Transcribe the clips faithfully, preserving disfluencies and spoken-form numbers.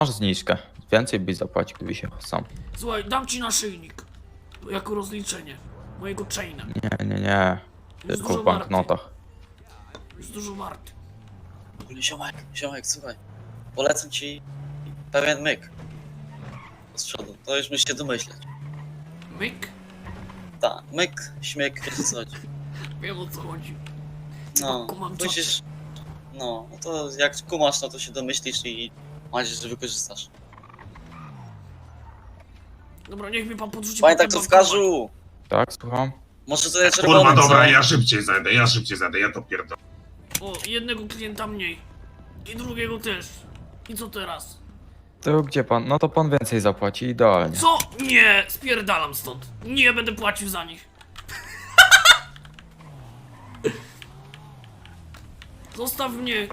Masz zniżkę. Więcej byś zapłacił, gdybyś się sam. Słuchaj, dam ci naszyjnik. Jako rozliczenie. Mojego chaina. Nie, nie, nie. Jest Tylko dużo w banknotach. Jest dużo warty. W ogóle ziomek, ziomek, słuchaj. Polecam ci pewien myk. Z przodu, to już musisz się domyśleć. Myk? Tak, myk, śmiek, wiesz o co chodzi. Wiem o co chodzi. No, Kumam musisz... No, no to jak kumasz, no to się domyślisz i mam nadzieję, że wykorzystasz. Dobra, niech mi pan podrzuci. Pamiętaj, potem co bankomat. wskażu! Tak, słucham? Może to jest czerwony. Kurwa, dobra, co? ja szybciej zajdę, ja szybciej zajdę, ja to pierdolę. O, jednego klienta mniej. I drugiego też. I co teraz? To gdzie pan? No to pan więcej zapłaci, idealnie. Co? Nie! Spierdalam stąd. Nie będę płacił za nich. Zostaw mnie.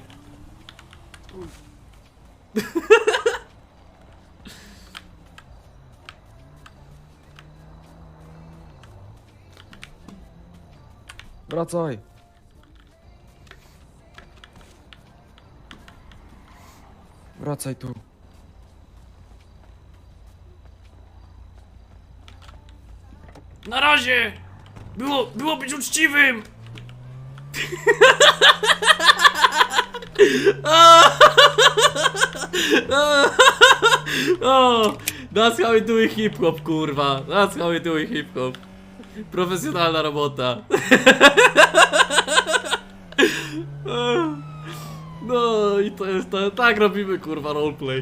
Wracaj. Wracaj tu. Na razie! Było, było być uczciwym! O, that's how we do it hip hop, kurwa. That's how we do it hip hop. Profesjonalna robota. No i to jest, to, tak robimy, kurwa, roleplay.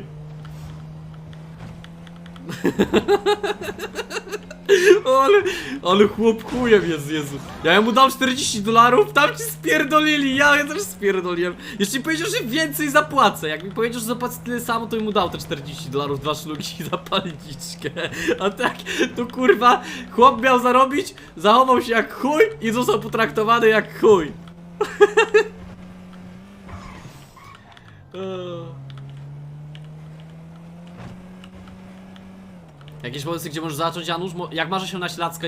Ale, ale chłop chujem jest, Jezu. Ja mu dam czterdzieści dolarów, tam ci spierdolili, ja też spierdoliłem. Jeszcze mi powiedział, że więcej zapłacę. Jak mi powiedział, że zapłacę tyle samo, to mu dał te czterdzieści dolarów, dwa szlugi i zapalniczkę. A tak, to kurwa, chłop miał zarobić, zachował się jak chuj i został potraktowany jak chuj. Jakieś pomysły, gdzie możesz zacząć, Janusz? Mo- Jak masz się na śladzkę